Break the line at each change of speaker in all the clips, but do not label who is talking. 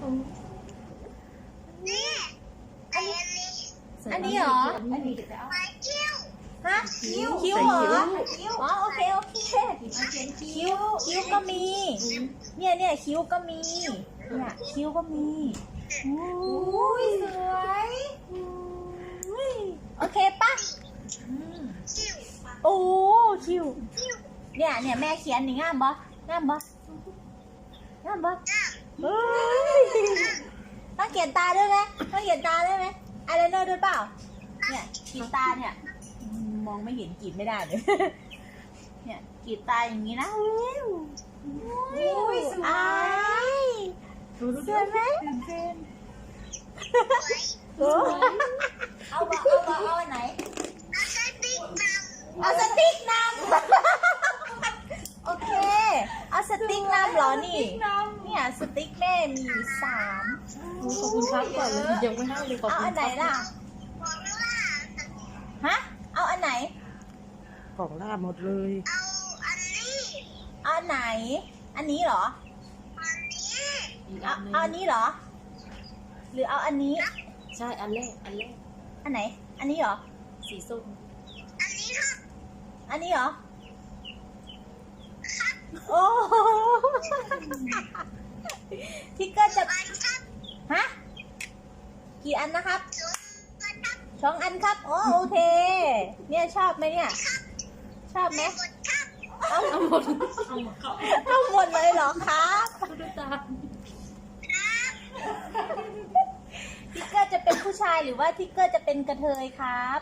อันนี้เหรอ
อันนี้จะเอา
ฮะคิ้วเหรออ๋อโอเคคิ้วก็มีเนี่ยคิ้วก็มีเนี่ยคิ้วก็มีอุ้ยสวยโอเคปะโอ้คิ้วเนี่ยแม่เขียนนี่งามบ่เฮ้ยต้องเขียนตาด้วยไหมอายไลเนอร์ด้วยเปล่าเนี่ยขีดตาเนี่ยมองไม่เห็นกรีดไม่ได้เลยเนี่ยกรีดตาอย่างนี้นะ
สวย
สวยไหมเอาอันไหนเอาสติ๊กนำโอเคเอาสติ๊กนำเหรอนี่เนี่ยสติ๊กแม่มี3
ขอบคุณครับก่อนเลยยังไม่ให้เลยขอบ
เอา
คุณ
อันไหนล่ะฮะเอาอันไหน
ของล่าหมดเลย
เอาอันไหนอันนี้เหรอเอาอันนี้เหรอหรือเอาอันนี้
ใช่อันแรก
อันไหนอันนี้เหรอ
สีส้ม
อันนี้เหรอโอ้ทิกเกอร์จะฮะกี่อันนะครับ2 อันครับโอเคเนี่ยชอบไหมเนี่ยชอบไหมเอาหมดเลยเหรอครับทิกเกอร์จะเป็นผู้ชายหรือว่าทิกเกอร์จะเป็นกระเทยครับ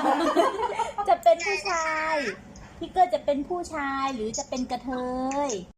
จะเป็นผู้ชายทิกเกอร์จะเป็นผู้ชายหรือจะเป็นกระเทย